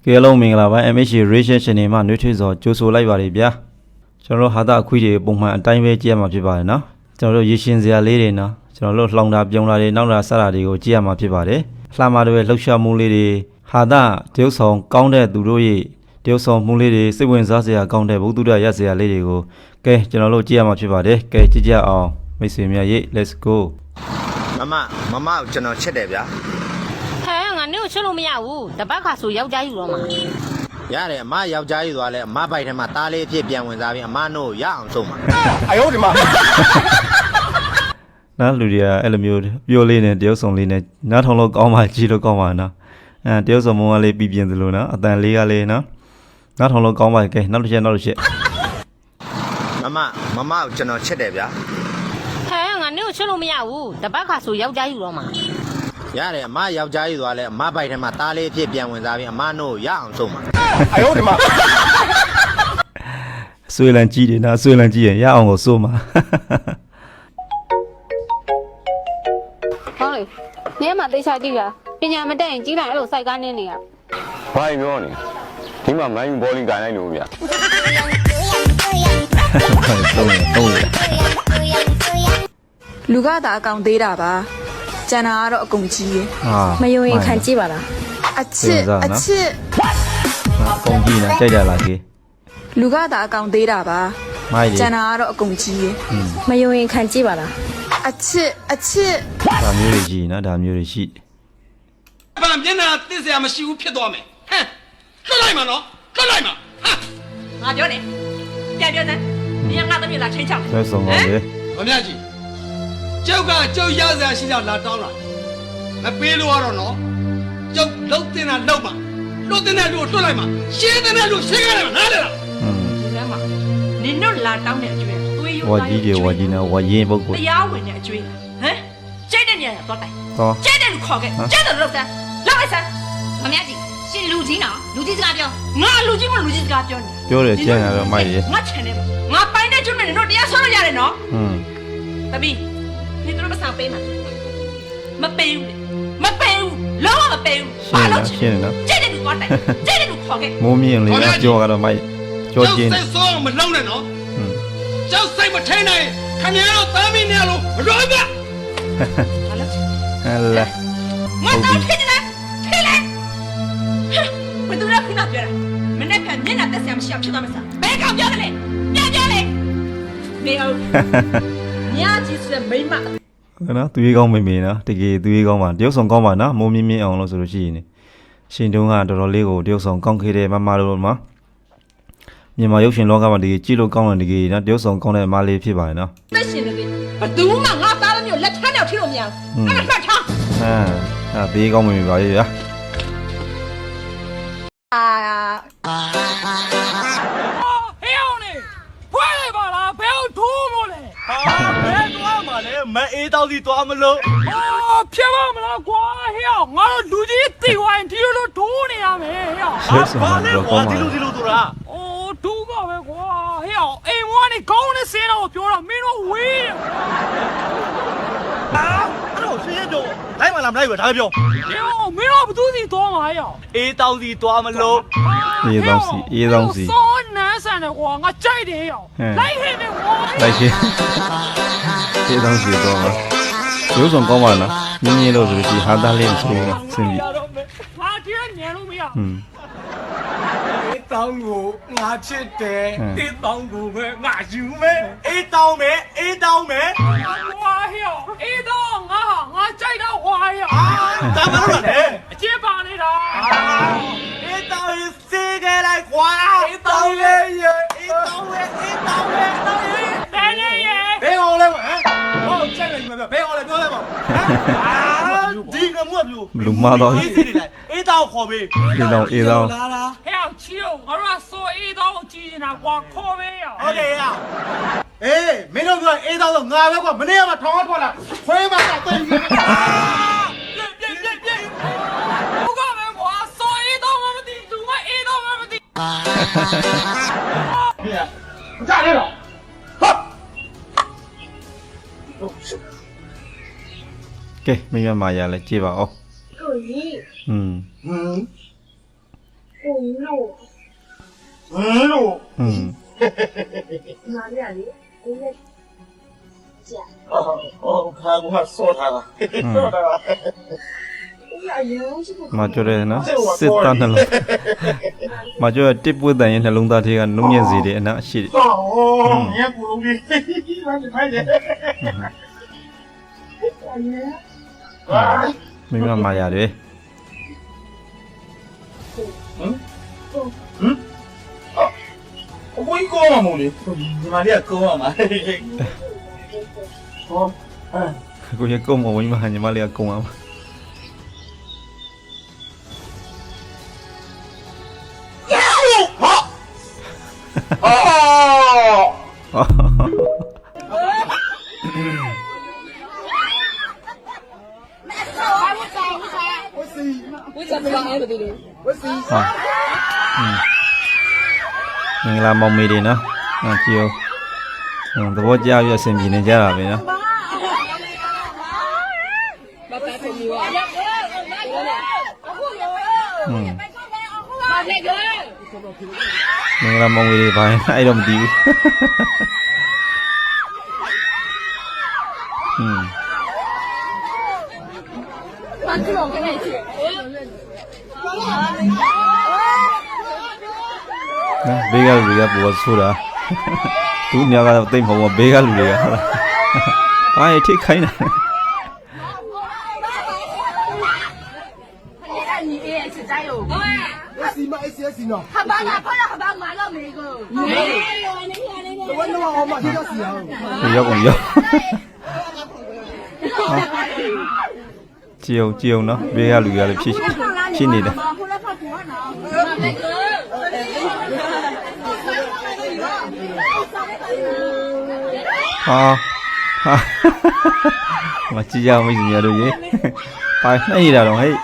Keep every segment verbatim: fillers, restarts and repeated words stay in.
ကဲလုံးမင်္ဂလာပါ M H Ration Channel မှာနှွေးထွေးစွာကြိုဆိုလိုက်ပါရဗျာကျွန်တော်တို့ဟာတာအခွေတွေပုံမှန်အတိုင်းပဲကြည့်ရမှာဖြစ်ပါတယ်နော်ကျွန်တော်တို့ရေရှင်စရာလေးတွေနော်ကျွန်တော်တို့လှောင်တာပြုံတာတွေနောက်တာဆက်တာတွေကိုကြည့်ရမှာဖြစ်ပါတယ်လှမာတွေလှုပ်ရှားမှုလေးတွေဟာတာတရုပ်ဆောင်ကောင်းတဲ့သူတို့ရဲ့တရုပ်ဆောင်မှုလေးတွေစိတ်ဝင်စားစရာကောင်းတဲ့ဘုသူဒ္ဓရစရာလေးတွေကိုကဲကျွန်တော်တို့ကြည့်ရမှာဖြစ်ပါတယ်ကဲကြည့်ကြအောင်မိတ်ဆွေများရေ let's go မမမမကိုကျွန်တော်ချစ်တယ်ဗျာဟဲငါနေကိုချစ်လို့မရဘူးတပတ်ခါဆိုယောက်ျားယူတော့မှာရတယ်အမယောက်ျားယူသွားလဲအမဘိုက်ထဲမှာသားလေးအဖြစ်ပြန်ဝင်စားပြီးအမနို့ရအောင်ဆုံးပါအယောဒီမှာနားလူတွေကအဲ့လိုမျိုးပြောလေးနဲ့တရုပ်ဆောင်လေးနဲ့နားထောင်လို့ကောင်းပါကြည့်လို့ကောင်းပါနော်အဲတရုပ်ဆောင်မုံကလေးပြပြင်းသလိုနော်အတန်လေးကလေးနော်နားထောင်လို့ကောင်းပါကဲနောက်တစ်ချက်နောက်တစ်ချက်မမမမကိုကျွန်တော်ချစ်တယ်ဗျာဟဲငါနေကိုချစ်လို့မရဘူးတပတ်ခါဆိုယောက်ျားယူတော့မှာရတယ်အမယောက်ျားယူသွားလဲအမဘိုက်ထဲမှာသားလေးအဖြစ်ပြန်ဝင်စားပြီးအမနို့ရအောင်ဆုံးပါအယောဒီမှာဆွေလန်ကြည့်တယ်နော်ဆွေလန်ကြည့်ရင်ရအောင်ကိုစိုးမှာဟောလေနေမှာတိတ်ချကြည့်တာပညာမတက်ရင်ကြီးလိုက်အဲ့လိုစိုက်ကားနေနေရဘာပြောနေဒီမှာမိုင်းဘောလင်းကန်လိုက်လို့ဗျာလူကသာအကောင်သေးတာပါကျန်တာကတော့အကုန်ကြီးရဲ့မယုံရင်ခံကြည့်ပါလားအချစ်အချစ်အကုန်ကြီးနော်ကြိုက်ကြလားကြီးလူကသာအကောင်သေးတာပါကျန်တာကတော့အကုန်ကြီးရဲ့မယုံရင်ခံကြည့်ပါလားအချစ်အချစ်ဒါမျိုးတွေကြီးနော်ဒါမျိုးတွေရှိဗန်မျက်နှာသိစရာမရှိဘူးဖြစ်သွားမယ်ဟမ်လွတ်လိုက်မှာနော်လွတ်လိုက်မှာဟာငါပြောတယ်ပြန်ပြောတယ်ဒီငါသမီးလာချင်းချောင်းဆွဲဆောင်ပါလေမမြကြီးကျုပ်ကကျုပ်ရစရာရှိတော့လာတောင်းလာမပေးလို့ရတော့နော်ကျုပ်လှုပ်တင်တာလှုပ်ပါလှုပ်တင်တဲ့လူကိုလွတ်လိုက်မှာရှင်းတဲ့လူရှင်းရတယ်နားလေလားอืมဒီထဲမှာနင်တို့လာတောင်းတဲ့အကျွေးသွေးရိုးဝါကြီးတွေဝါကြီးနော်ဝါရင်ပုတ်ကိုတရားဝင်တဲ့အကျွေးဟမ်ကျိတ်တဲ့နေရာတော့တိုင်ကျိတ်တဲ့လူခေါ်ခဲ့ကျိတ်တယ်လို့စမ်းလောက်လိုက်စမ်းမမြကြီးရှင်လူကြီးနော်လူကြီးစကားပြောငါလူကြီးမလူကြီးစကားပြောနေပြောတယ်ကြံ့ရတော့မိုက်ရေငါချန်တယ်ငါပိုင်းတဲ့ကျွန်းနဲ့တို့တရားဆွလို့ရတယ်နော်อืมတပီ你都不上背嘛？没背的，没背，老没背， ဘာလို့ရှင်းနော်ကျဲတဲ့လူသွားတယ်ကျဲတဲ့လူခေါ်ခဲ့မိုးမြင့်လေးကကြောကတော့မိုက်ကြောကျင်းစိတ်ဆိုးမလုံးနဲ့နော်ကျောက်စိတ်မထိန်နိုင်ခင်ဗျားတို့သားမင်းနဲ့လို့မရောပြဘာလို့ဟဲ့လေမတော်ဖြစ်နေလားထိလေဘယ်သူလဲခုနပြောတာမနေ့ကမျက်နှာတက်ဆရာမရှိအောင်ဖြစ်သွားမစားဘယ်ကောင်ပြောတယ်လဲပြန်ပြောလေမေဟုတ်ညကြီးစမိမနော်သူရေးကောင်းမိမိနော်တကယ်သူရေးကောင်းပါတရုပ်ဆောင်ကောင်းပါနော်မိုးမြင့်မြင့်အောင်လို့ဆိုလို့ရှိရင်ရှင်တုံးကတော်တော်လေးကိုတရုပ်ဆောင်ကောင်းခဲ့တယ်မမတို့မှာမြန်မာရုပ်ရှင်လောကမှာတကယ်ကြည့်လို့ကောင်းတယ်တကယ်နော်တရုပ်ဆောင်ကောင်းတဲ့အမလေးဖြစ်ပါတယ်နော်သက်ရှင်နေပြီဘသူမှငါသားသမီးကိုလက်ထမ်းရောက်ထိလို့မရဘူးအဲ့ဒါမှတ်ထားဟမ်အဲ့ဒီကောင်းမိမိပါရဲ့ဗျာအာဟဲ့အောင်နေဖွင့်လိုက်ပါလားဘယ်အောင်ထိုးလို့လဲဟာဘယ်သွားမှာလဲမအေးတောက်စီသွားမလို့ဟာဖြစ်ပါမလားကွာဟဲ့အောင်ငါတို့လူကြီးတိဝိုင်းဒီလိုထိုးနေရမယ်ဟဲ့အောင်ဘာလဲကွာဒီလိုဒီလိုဆိုတာအိုးဒူးပါပဲကွာဟဲ့အောင်အိမ်ဝါနေကောင်းနေစင်းတော့ပြောတာမင်းတို့ဝေးဟာအဲ့တော့ရှင်းရတော့လိုက်မလားမလိုက်ဘူးဒါပဲပြောဟဲ့အောင်မင်းတို့ဘသူစီသွားမှာဟဲ့အောင်အေးတောက်စီသွားမလို့အေးတောက်စီအေးတောက်စီစောနန်းဆန်တယ်ကွာငါကြိုက်တယ်ဟဲ့အောင်လိုက်ဟင်းနေကွာလိုက်ရှင်းအေးတောက်စီတော့မှာရုပ်ဆောင်ကောင်းပါလားမြင်းမြင်းလို့ဆိုပြီးဟာသားလေးမရှိဘူးနော်ဆင်းပြီဟာဒီကညံလို့မရอืมအေးတောင်းကိုငါချစ်တယ်အေးတောင်းကိုပဲငါယူမယ်အေးတောင်းမယ်အေးတောင်းမယ်ကွာဟဲ့အေးတောင်းငါငါကြိုက်တော့ဟွာဟဲ့ဒါမှမဟုတ်လေအကျဉ်းပါနေတာအေးတောင်းရေးစေးခဲ့လိုက်ကွာအေးတောင်းရဲ့အေးတောင်းရဲ့အေးတောင်းရဲ့တောင်းရဲ့တန်းရဲ့ဘယ်အောင်လဲဟမ်ဟောကြိုက်လိုက်မှာဘယ်အောင်လဲပြောလိုက်ပါအာဒီကမှုကပြောလူမတော့အေးစီနေလိုက်အေးတောင်းခေါ်ပေးအေးတောင်းအေးတောင်းလာလာဟဲ့ချီအောင်ငါတို့ကဆိုအေးတောင်းကြည့်နေတာကွာခေါ်ပေးရโอเคရအေးမင်းတို့ကအေးတောင်းတော့ငါပဲကွာမနေ့ကမှထောင်းထွက်လာခွေးမတော့တိတ်ပြပြပြပြဘုကပဲကွာဆိုအေးတောင်းမသိသူမအေးတောင်းမသိဟဲ့ကြားရတော့ကဲမိမမာရလဲကြည့်ပါဦးကိုကြီးอืมဟမ်ဘယ်လိုอืมအော်ခါကဆောထားတာဆောထားတာမကျော်တယ်နော်စစ်သားနှလုံးမကျော်တစ်ပွေးတန်ရဲ့နှလုံးသားထဲကနှုံညက်စေတယ်အနာရှိတယ်အော်မြတ်ကူလုံးကြီးဘာလဲဖိုင်တယ်မိမမာရတယ်အကိုကြီးကောမှာမို့လေဒီမှာလေးကကောမှာဟောကိုရကုန်းမဝင်မညီမလေးကကုန်းအောင်အော်ဟာอืมမင်္ဂလာမောင်မေတွေနော်ဟာကြည့်အောင်သဘောကျပြီးအဆင်ပြေနေကြတာပဲနော်อืมမင်္ဂလာမောင်မေတွေဘာလဲအဲ့တော့မသိဘူးอืมနော်ဘေးကလူတွေကပေါ်ဆိုတာသူညကတော့တိတ်မဟုတ်ဘူးဘေးကလူတွေကဟုတ်လားဘာရထိခိုင်းနေရောက်ကုန်ရောက်ကြည့်အောင်ကြည့်အောင်နော်ဘေးကလူတွေကလည်းဖြစ်ဖြစ်နေတယ်ဟာဟာမကြည့်ရအောင်မိတ်ဆွေတို့ရေပါနှိမ့်ရတာတော့ဟဲ့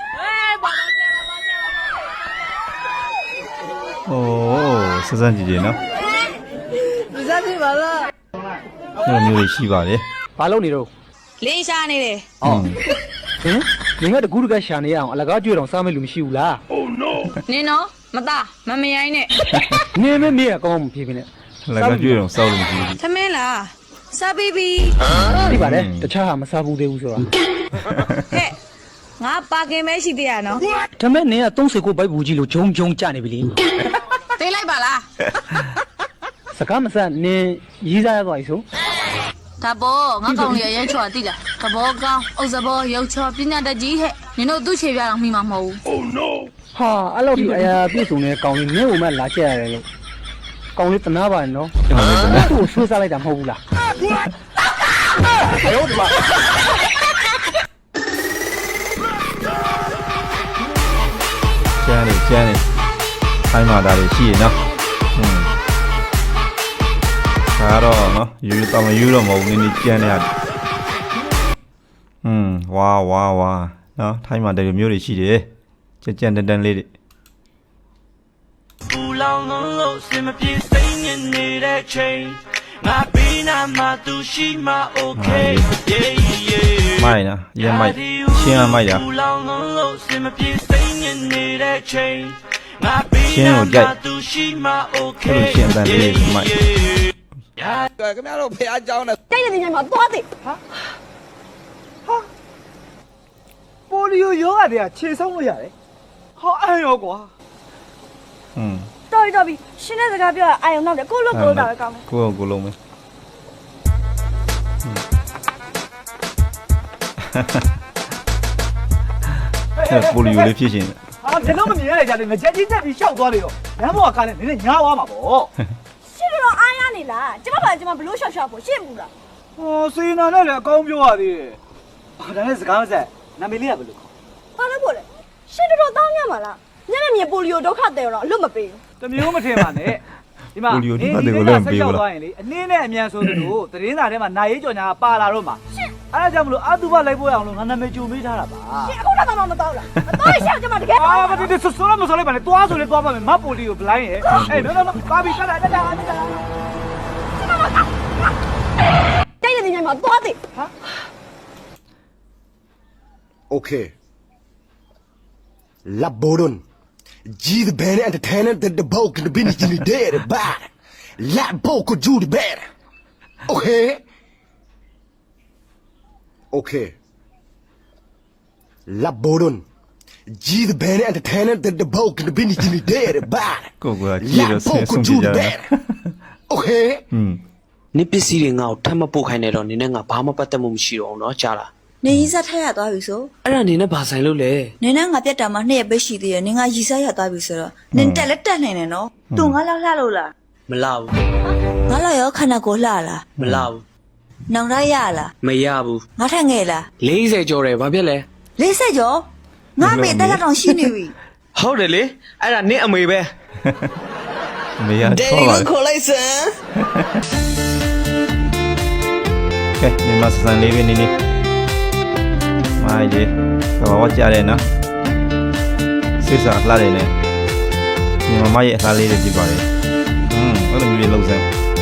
โอ้စစမ်းကြည့်ကြည့်နော်စစမ်းကြည့်ပါလားအဲ့လိုမျိုးရှိပါတယ်ဘာလုပ်နေတော့လင်းရှာနေတယ်ဟုတ်ဟင်ငင်ကတကူးတကရှာနေရအောင်အလကားကြွတော့စားမဲ့လူမရှိဘူးလားနင်းနော်မသားမမရိုင်းနဲ့နင်းမဲမေးရကောင်းမှမဖြစ်ဖြစ်နဲ့လည်းကကြွအောင်စောက်လို့မရှိဘူးသမင်းလားစားပြီးပြီသိပါလေတခြားဟာမစားဘူးသေးဘူးဆိုတာဟဲ့ငါပါကင်မဲရှိသေးရနော်ဒါမဲ့နင်းကသုံးစိတ်ကိုဘိုက်ဘူးကြီးလို့ဂျုံဂျုံကြနေပြီလေသိလိုက်ပါလားစကားမဆက်နင်းရေးစားရသွားပြီဆိုဒါပေါ်ငါကောင်လေးရဲချော်တိလားသဘောကောင်းအုပ်စဘောရုပ်ချော်ပညာတတ်ကြီးဟဲ့နင်တို့သူ့ခြေပြတော့မိမှာမဟုတ်ဘူးဟာအဲ့လောက်ကြီးအရာပြည့်စုံတဲ့ကောင်လေးနင်းကိုမှလာချက်ရတယ်လို့ကောင်လေးတနာပါနော်ဟုတ်တယ်သူ့ကိုဆွေးစားလိုက်တာမဟုတ်ဘူးလားကျန်းနေကျန်းနေခိုင်းမာတာတွေရှိရနော်อืมဒါတော့နော်ယူတော့မယူတော့မဟုတ်ဘူးနည်းနည်းကျန်းနေရတယ်อืมဝါဝါဝါနော်ထိုင်းမာတယ်မျိုးတွေရှိတယ်ကြက်ကြက်တန်တန်လေးတွေပူလောင်လုံးလို့စင်မပြေစိတ်ညစ်နေတဲ့ချိန်ငါပေးနာမှသူရှိမှ okay yeah yeah မိုက်နော်ရမ်းမိုက်ရှင်းရမိုက်တာပူလောင်လုံးလို့စင်မပြေစိတ်ညစ်နေတဲ့ချိန်ငါပေးရှင်းနာကိုကြိုက်မှသူရှိမှအဲ့ okay လိုရှင်းတန်လေးတွေမိုက်ခင်ဗျားတို့ဖះเจ้าနဲ့တိုက်တဲ့ညမှာသွားတယ်ပိုလီယိုရောဂါတွေကခြေဆုံးလို့ရတယ်ဟောအဲ့ရောကွာอืมတော်ပြီတော်ပြီရှင်းတဲ့စကားပြောတာအာယုံနောက်တယ်ကိုလို့ကိုလို့တာပဲကောင်းတယ်ကိုယ့်ကိုယ်လုံးမယ်အဲ့ပိုလီယိုလေးဖြစ်ရှင်တယ်ဟာဘယ်တော့မမြင်ရကြတယ်ငကြက်ကြီးတက်ပြီးရှောက်သွားလေတော့လမ်းပေါ်ကကားနဲ့နည်းနည်းညားသွားမှာပေါ့ရှင်းတော့အားရနေလားကျမပါကျမဘလို့ရှောက်ရှောက်ဖို့ရှင်းဘူးလားဟောစေနာနဲ့လည်းအကောင်းပြောရသေးတယ်ဟာဒါနဲ့စကားမဆက်နာမည်လေးကဘယ်လိုခေါ်ဘာလို့ဖို့လဲရှင်းတော့တောင်းရမှာလားညနေမြေပိုလီယိုဒုက္ခတယ်တော့အလွတ်မပေးဘူးတမျိုးမထင်ပါနဲ့ဒီမှာပိုလီယိုဒီဘက်တွေကိုလည်းမပေးဘူးလားသွားရင်လေအနည်းနဲ့အမြန်ဆိုသလိုသတင်းစာထဲမှာနိုင်ရေးကြော်ညာပါလာတော့မှာအဲ့ဒါကြောင့်မလို့အတူပါလိုက်ဖို့ရအောင်လို့ငါနာမည်ကြိုပေးထားတာပါရှင်းအခုတော့မှမတော့လားမတော့ရှင်းကျမတကယ်အာမတူတူဆိုတော့မဆိုလိုက်ပါနဲ့တွားဆိုလေတွားပါမယ်မပိုလီကိုဘလိုင်းရဲ့အေးနော်နော်ကားပြီးတက်တာတက်တာတက်တာတိုက်တဲ့ညမှာသွားတယ် Okay. Laboron. G the band entertainer that the boat can be in the dead bad. Let boat could do the bad. Okay. Okay. La Bodon. G the band entertainer that the boat can be in the dead bad. ကိုကကြည့်လို့ဆဲဆုံးကြကြတယ် Okay. อืมနစ်ပစ္စည်းတွေငါ့ကိုထပ်မပို့ခိုင်းနေတော့နင်းနဲ့ငါဘာမှပတ်သက်မှုမရှိတော့ဘူးเนาะကြားလားနေရီစားထက်ရသွားပြီဆိုအဲ့ဒါနင်းနဲ့ဘာဆိုင်လို့လဲနေနဲ့ငါပြတ်တာမှနှစ်ရက်ပဲရှိသေးတယ်နင်ကရီစားရသွားပြီဆိုတော့နင်တက်လက်တက်နိုင်တယ်နော်သူငါလောက်လှလို့လားမလာဘူးငါလောက်ရောခန္ဓာကိုယ်လှလားမလာဘူးနောင်ရရလားမရဘူးငါထက်ငယ်လား၄၀ကျော်တယ်ဘာဖြစ်လဲလေးဆက်ကျော်ငါမေတက်လက်တောင်ရှိနေပြီဟုတ်တယ်လေအဲ့ဒါနင်းအမေပဲမေရချောပါခေါ်လိုက်စမ်းကဲဒီမှာစံလေးပဲနေနေမိုင်းဒီတော့ကြားတယ်နော်စစ်စားလှတယ်နဲ့ညီမမရဲ့အသားလေးတွေကြည့်ပါလေอืมအဲ့လိုမျိုးလေးလှုပ်စမ်း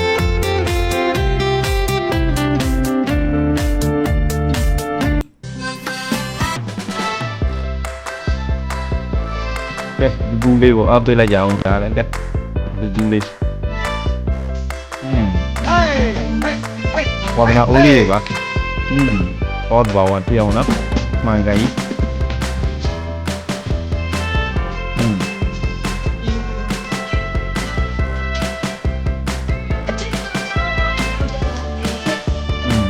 ကဲဒီဘူးလေးကိုအောက်သွေးလိုက်ကြအောင်ဒါလည်းတက်ဒီဘူးလေးอืมဝါမနာအိုးလေးတွေပါอืมဟောဘာဝန်ပြောင်းနော်မှန်ကန်ကြီးอืมอืม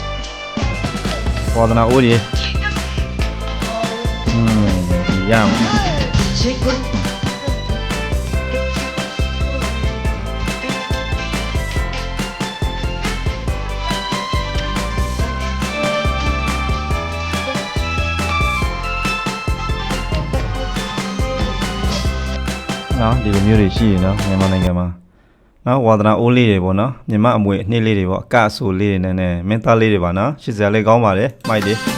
ဝါမနာအိုးလေးอืมရအောင်နော်ဒီလိုမျိုးတွေရှိရင်နော်မြန်မာနိုင်ငံမှာနော်ဝါသနာအိုးလေးတွေပေါ့နော်မြန်မာအမွေအနှစ်လေးတွေပေါ့အကအဆူလေးတွေနဲ့နဲ့မင်းသားလေးတွေပါနော်ရှစ်စရာလေးကောင်းပါတယ်မိုက်တယ်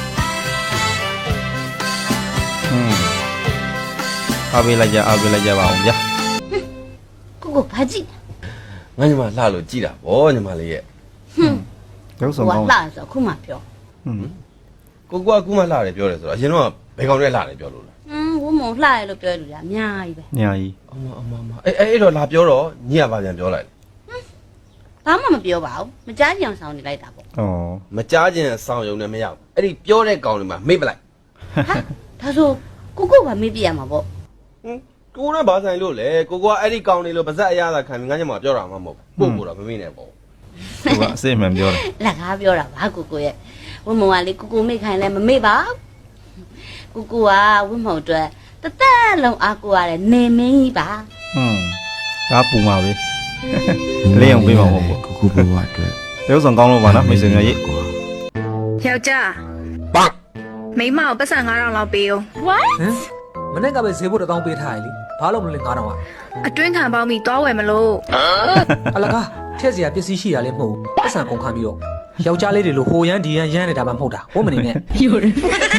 ဟွန်းအားပေးလိုက်ကြအားပေးလိုက်ကြပါအောင်ဗျာကိုကိုဘာကြည့်ငါညီမလှလို့ကြည်တာဗောညီမလေးရဲ့ဟွန်းရုပ်ဆောင်ဟိုကောင်းကလာဆိုခုမှပြောဟွန်းကိုကွာကူမလှတယ်ပြောတယ်ဆိုတော့အရင်တော့ဘယ်ကောင်နဲ့လှတယ်ပြောလို့လဲอืมဝမုံလှရလို့ပြောလို့ရအများကြီးပဲညာကြီးအမအမအမအေးအဲ့တော့လာပြောတော့ညီကပါပြန်ပြောလိုက်ဘာမှမပြောပါဘူးမကြားကြအောင်ဆောင်နေလိုက်တာပေါ့ဩမကြားခြင်းဆောင်ယုံနဲ့မရဘူးအဲ့ဒီပြောတဲ့ကောင်တွေမှာမေ့ပလိုက်ဟာဒါဆိုကိုကိုကမေးပြရမှာပေါ့ဟင်ကိုနဲ့ဘာဆိုင်လို့လဲကိုကွာအဲ့ဒီကောင်တွေလို့ပါဇက်အရသာခံပြီးငါညီမပြောတာမှမဟုတ်ဘူးပို့ပို့တော့မမေ့နဲ့ပေါ့သူကအစစ်မှန်ပြောတယ်လက်ကားပြောတာပါကိုကိုရဲ့ဝမုံကလေကိုကိုမေ့ခိုင်းလဲမမေ့ပါဘူးကိုကိုကဝမုံအတွက်တသက်လုံးအားကိုရတယ်နေမင်းကြီးပါဟွန်းဒါပူမှာပဲလေးအောင်ပေးမှာပေါ့ကိုကိုဘဝအတွက်ရုပ်ဆောင်ကောင်းလို့ပါနော်မိတ်ဆွေများရေးယောက်ျားပတ်မိမကိုပတ်စံငါးထောင်လောက်ပေးအောင် what မနေ့ကပဲဈေးဖို့တစ်တောင်းပေးထားရလေဘာလို့မလို့လဲငါးတောင်းอ่ะအတွင်းခံပေါင်းပြီးသွားဝယ်မလို့အလကားထက်စရာပစ္စည်းရှိတာလည်းမဟုတ်ဘူးပတ်စံကုန်ခံပြီးတော့ယောက်ျားလေးတွေလိုဟိုရမ်းဒီရမ်းရမ်းနေတာမှမဟုတ်တာဟုတ်မနေနဲ့ယူရ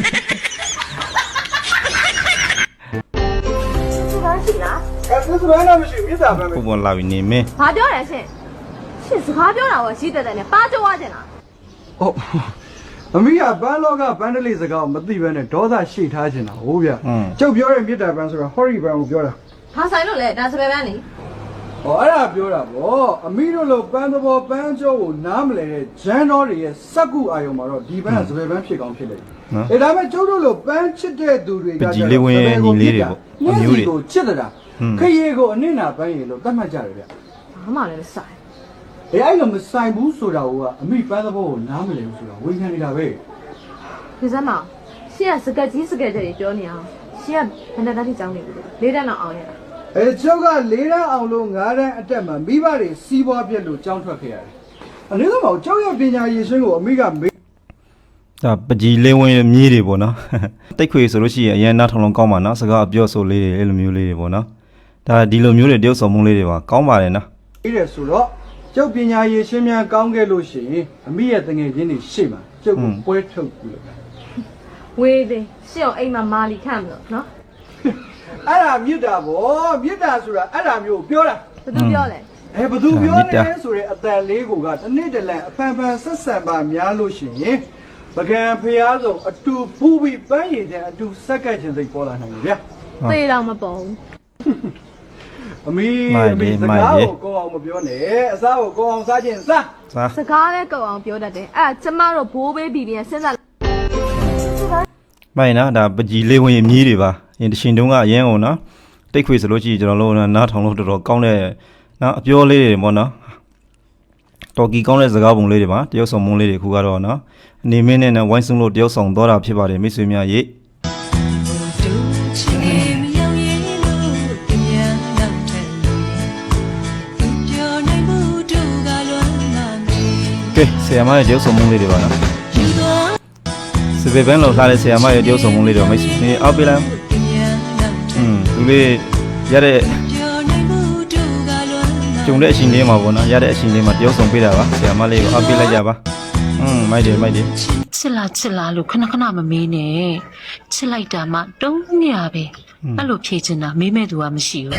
ပုံပေါ်လာပြီးနေမင်းဘာပြောလဲရှင်ရှင်စကားပြောတာကိုရှိတဲ့တဲ့နဲ့ပါကြွားကျင်လားဟုတ်အမေကဘန်းလောကဘန်းတလေးစကားကိုမသိဘဲနဲ့ဒေါသရှိထားချင်တာဟုတ်ဗျကျုပ်ပြောတဲ့မြစ်တာဘန်းဆိုတာဟော်ရီဘန်းကိုပြောတာဘာဆိုင်လို့လဲဒါစပယ်ပန်းနေဟောအဲ့ဒါပြောတာဗောအမေတို့လိုပန်းသဘောပန်းကျော်ကိုနားမလဲတဲ့ဂျန်တော်တွေရဲ့စက်ကူအာယုံမှာတော့ဒီဘန်းကစပယ်ဘန်းဖြစ်ကောင်းဖြစ်တယ်အဲဒါမဲ့ကျုပ်တို့လိုပန်းချစ်တဲ့သူတွေကကြီးလေးဝင်ညီလေးတွေပေါ့အမျိုးတွေကိုချစ်တာခရီးကိုအနစ်နာပန်းရည်လို့သတ်မှတ်ကြတယ်ဗျဘာမှလည်းမဆိုင်အဲအဲ့လိုမဆိုင်ဘူးဆိုတာကအမိပန်းသဘောကိုနားမလဲဘူးဆိုတာဝန်ခံနေတာပဲဒီစမ်းမရှင်ကစကက်ကြီးစကက်ကြတွေပြောနေအောင်ရှင်ကဘယ်နဲ့တည်းကြောင်းနေပြီလေးတန်းတော့အောင်ရတာအဲကျောက်ကလေးတန်းအောင်လို့ငါးတန်းအတက်မှာမိဘတွေစီးပွားပြက်လို့ကြောင်းထွက်ခဲ့ရတယ်အနည်းဆုံးကျောက်ရပညာရည်ရှင်းကိုအမိကမေးဒါပကြီးလေးဝင်မြေးတွေပေါ့နော်တိတ်ခွေဆိုလို့ရှိရင်အရင်နောက်ထောင်လုံးကောင်းပါနော်စကားအပြောဆိုလေးတွေအဲ့လိုမျိုးလေးတွေပေါ့နော်ဒါဒီလိုမျိုးတွေတယောက်ဆောင်မှုလေးတွေပါကောင်းပါတယ်နော်ပြီးတယ်ဆိုတော့ကျောက်ပညာရည်ရှင်းများကောင်းခဲ့လို့ရှိရင်အမိရဲ့တငယ်ချင်းတွေရှေ့မှာကျောက်ကိုပွဲထုတ်ပြီးလို့ဝေးသေးရှင်အောင်အိမ်မှာမာလီခန့်မလို့နော်အဲ့ဒါမြစ်တာဗောမြစ်တာဆိုတာအဲ့ဒါမျိုးပြောတာဘယ်သူပြောလဲအဲဘသူပြောနေလဲဆိုရင်အတန်လေးကိုကတနေ့တည်းအဖန်ဖန်ဆက်ဆံပါများလို့ရှိရင်ပကံဖျားဆုံးအတူပူပြီးပန်းရည်တဲ့အတူဆက်ကတ်ခြင်းစိတ်ပေါ်လာနိုင်တယ်ဗျာသေတော့မပေါ်ဘူးအမေအမေစကားကိုကောအောင်မပြောနဲ့အစားကိုကောအောင်စားခြင်းစားစားစကားလည်းကောက်အောင်ပြောတတ်တယ်အဲ့ကျမတို့ဘိုးဘေးဘီဘီနဲ့စဉ်းစားမိုင်းနော်ဒါပကြီးလေးဝင်မြည်တွေပါအင်းတရှင်တုံးကအရင်ကုန်နော်တိတ်ခွေဆိုလို့ရှိရင်ကျွန်တော်တို့နားထောင်လို့တော်တော်ကောင်းတဲ့နော်အပြောလေးတွေပေါ့နော်တော်ကီကောင်းတဲ့စကားပုံလေးတွေပါတရုပ်ဆောင်မုန်းလေးတွေခုကတော့နော်အနေမင်းနဲ့ဝိုင်းစုံလို့တရုပ်ဆောင်သွားတာဖြစ်ပါတယ်မိတ်ဆွေများရေကဲဆရာမရဲ့တရုပ်ဆောင်မုန်းလေးတွေပါနော်စပယ်ပန်းလောက်ထားတဲ့ဆရာမရဲ့တရုပ်ဆောင်မုန်းလေးတွေမိတ်ဆွေအောက်ပြလိုက်อืมသူလေးရတဲ့ကျုံတဲ့အချိန်လေးမှာပေါ့နော်ရတဲ့အချိန်လေးမှာတရုပ်ဆောင်ပေးတာပါဆရာမလေးကိုအောက်ပြလိုက်ကြပါอืมမိုက်တယ်မိုက်တယ်ချစ်လားချစ်လားလို့ခဏခဏမမေးနဲ့ချစ်လိုက်တာမှတုံးမြပဲအဲ့လိုဖြေချင်တာမေးမဲ့သူကမရှိဘူး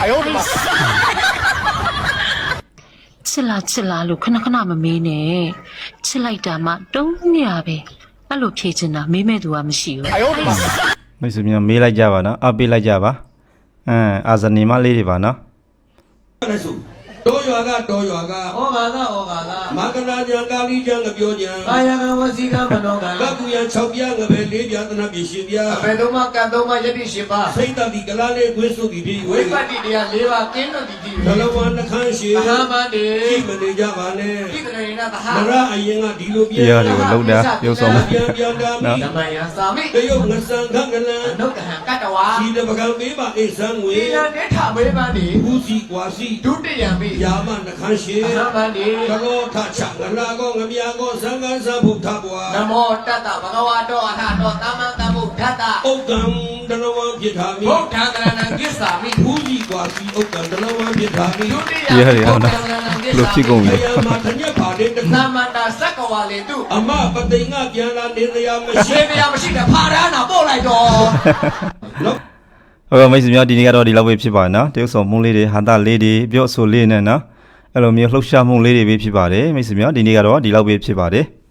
ချစ်လားချစ်လားလို့ခဏခဏမမေးနဲ့ချစ်လိုက်တာမှတုံးမြပဲအဲ့လိုဖြေချင်တာမေးမဲ့သူကမရှိဘူးမိတ်ဆွေများမေးလိုက်ကြပါနော်အောက်ပြလိုက်ကြပါအမ်အာဇနီမလေးတွေပါနော်တော်ရွာကတော်ရွာကဩဃာကဩဃာကမကနာညာကာလီကျံငပြောညာအာယကဝစီကမနောကကကူရ၆ပြငပဲ၄ပြသနာပြရှင်ပြဘယ်တော့မှကတ်တော့မှယတိရှင်ပါစိတ်တတိကလာလေးခွေးစုတည်ပြီးဝိပတ္တိတရား၄ပါးကင်းလို့တည်ပြီးဘလဝနှခမ်းရှိသာမန်တေရှိမနေကြပါနဲ့ဣတရေနသဟမရအရင်ကဒီလိုပြန်တရားတွေကိုလောက်တာပြုတ်ဆောင်ပြန်ပြန်တာမိဓမ္မယံသာမိတယုတ်ငဆံခကလံအနုတဟံကတ္တဝါဒီတပကံပေးပါအိဆံငွေဒီလနဲ့ထမေးပန်းဒီဘူးစီကွာစီဒုတိယမိယာမနှခမ်းရှိသာမန်တေကလောထချငလာကောငမြာကောသံဃာသဗုဒ္ဓဘွာနမောတတ္တဘဂဝါတောအထတောသမ္မာသမ္ဗုဒ္ဓတ္တဥက္ကံတလဝံပြထာမိဗုဒ္ဓံကရဏံကိစ္ဆာမိဘူးစီကွာစီဥက္ကံတလဝံပြထာမိဒုတိယတရားတွေအောင်နော်လို့ဖြစ်ကုန်ပြီမာတညက်ပါလေသမ္မာတာစက္ကဝါလေတုအမပတိငါပြန်လာနေတရားမရှိတရားမရှိတဲ့ဖာရဟနာပို့လိုက်တော့ဟုတ်ကဲ့မိတ်ဆွေများဒီနေ့ကတော့ဒီလောက်ပဲဖြစ်ပါနော်တရုပ်ဆောင်မုန်းလေးတွေဟာတာလေးတွေပြော့ဆိုလေးနဲ့နော်အဲ့လိုမျိုးလှုပ်ရှားမှုလေးတွေပဲဖြစ်ပါတယ်မိတ်ဆွေများဒီနေ့ကတော့ဒီလောက်ပဲဖြစ်ပါတယ်